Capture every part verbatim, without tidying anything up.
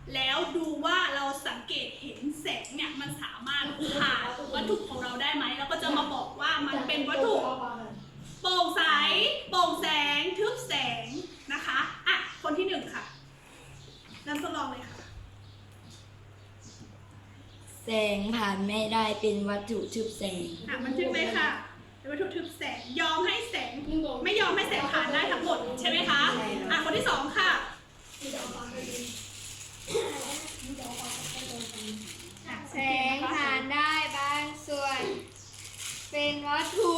แล้วดูว่าเราสังเกตเห็นแสงเนี่ยมันสามารถผ่านวัตถุของเราได้ไหมแล้วก็จะมาบอกว่ามันเป็นวัตถุโปร่งใสโปร่งแสงทึบแสงนะคะอ่ะคนที่หนึ่งค่ะเริ่มทดลองเลยค่ะแสงผ่านไม่ได้เป็นวัตถุทึบแสงอ่ะมันทึบไหมค่ะเป็นวัตถุทึบแสงยอมให้แสงไม่ยอมให้แสงผ่านได้ทั้งหมดใช่ไหมคะอ่ะคนที่สองค่ะอ่ะแสงผ่านได้บางส่วน เป็นวัตถุ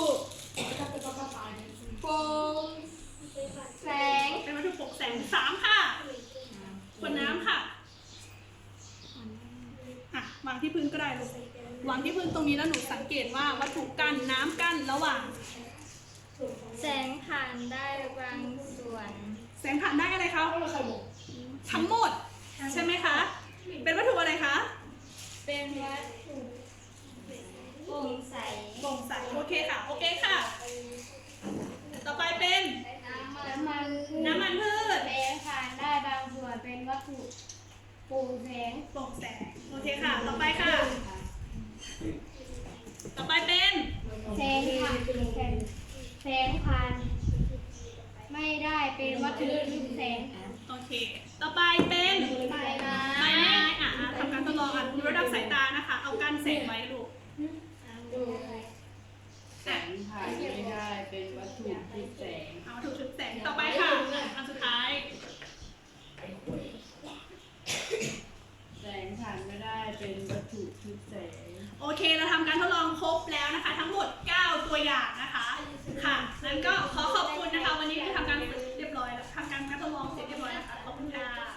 โปร่งแสงเป็นวัตถุโปร่งแสงสามค่ะขวดน้ำค่ะอ่ะวางที่พื้นก็ได้ลูกวางที่พื้นตรงนี้แล้วหนูสังเกตว่าวัตถุกั้นน้ำกั้นระหว่างแสงผ่านได้บางส่วนแสงผ่านได้อะไรคะทั้งหมดใช่ไหมคะเป็นวัตถุอะไรคะเป็นวัตถุโปร่งใสโปร่งใสโอเคค่ะโอเคค่ะต่อไปเป็นน้ำมันพืชน้ำมันพืชแสงผ่านได้บางส่วนเป็นวัตถุโปร่งแสงโปร่งแสงโอเคค่ะต่อไปค่ะ ต่อไปเป็นแสงผ่านแสงผ่านไม่ได้เป็นวัตถุทึบแสงโอเคต่อไปเป็นไฟไม้ไม้ไม้อ่ะทำการทดลองอ่ะดูระดับสายตานะคะเอากั้นแสงไว้ลูกแสงผ่านไม่ได้เป็นวัตถุทึบแสงเอาถูกชุดแสงต่อไปค่ะอันสุดท้ายแสงผ่านไม่ได้เป็นวัตถุทึบแสงโอเคเราทำการทดลองครบแล้วนะคะ ทั้งหมดเก้าตัวอย่างนะคะค่ะงั้นก็ขอขอบคุณนะคะ วันนี้ที่ทำการเรียบร้อยแล้วทำการทดลองเสร็จเรียบร้อยนะคะขอบคุณค่ะ